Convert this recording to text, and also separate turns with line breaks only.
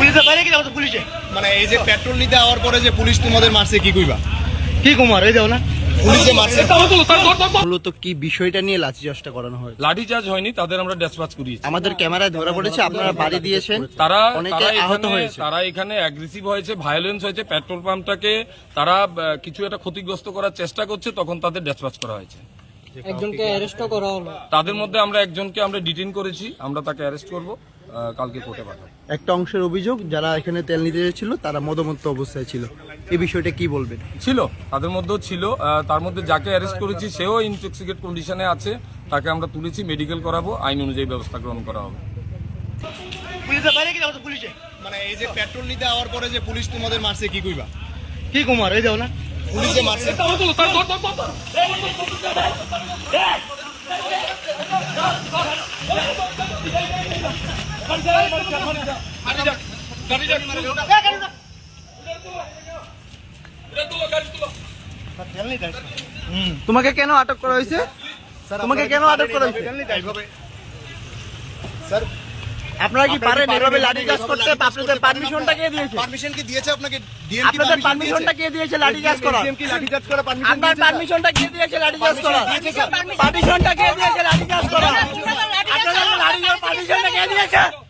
মানে এই যে পেট্রোল নিতে আওয়ার পরে যে পুলিশ তোমাদের মারছে কি কইবা?
কি কুমার এই যাও না
পুলিশে মারছে
মূলত কি বিষয়টা নিয়ে লাঠিচার্জটা করানো হয়?
লাঠিচার্জ হয়নি, তাদের আমরা ড্যাসপাচ করিয়েছি।
আমাদের ক্যামেরায় ধরা পড়েছে আপনারা বাড়ি দিয়েছেন,
তারা
অনেকে আহত হয়েছে।
তারা এখানে অ্যাগ্রেসিভ হয়েছে, ভায়োলেন্স হয়েছে, পেট্রোল পাম্পটাকে তারা কিছু একটা ক্ষতিগ্রস্ত করার চেষ্টা করছে, তখন তাদের ড্যাসপাচ করা হয়েছে।
একজনকে অ্যারেস্ট করা হলো।
তাদের মধ্যে আমরা একজনকে আমরা ডিটেইন করেছি, আমরা তাকে অ্যারেস্ট করব, কালকে কোর্টে পাঠাবো।
একটা অংশের অভিযোগ যারা এখানে তেল নিতে এসেছিল তারা মদমত্ত অবস্থায় ছিল, এই বিষয়টা কি বলবেন?
ছিল, তাদের মধ্যেও ছিল। তার মধ্যে যাকে অ্যারেস্ট করেছি সেও ইনটক্সিকেট কন্ডিশনে আছে, তাকে আমরা তুলেছি, মেডিকেল করাবো, আইন অনুযায়ী ব্যবস্থা গ্রহণ করা হবে।
মানে এই যে পেট্রোল নিতে আওয়ার পরে যে পুলিশ তোমাদের মারছে কি কইবা?
কি কুমার এই যাও না
পুলিশে মারছে
তোমাকে কেন আটক করা হয়েছে? তোমাকে কেন আটক করা হয়েছে?
স্যার
আপনারা কি পারেন এভাবে লাঠিচার্জ করতে? আপনাদের পারমিশনটা কে দিয়েছে?
পারমিশন কি দিয়েছে আপনাকে? ডিএম কি
আপনাদের পারমিশনটা কে দিয়েছে লাঠিচার্জ করার?
ডিএম কি লাঠিচার্জ করা পারমিশন
আপনার পারমিশনটা কে দিয়েছে লাঠিচার্জ করার? পারমিশনটা কে দিয়েছে লাঠিচার্জ করার? আপনাদের লাঠিচার্জ পারমিশনটা কে দিয়েছে?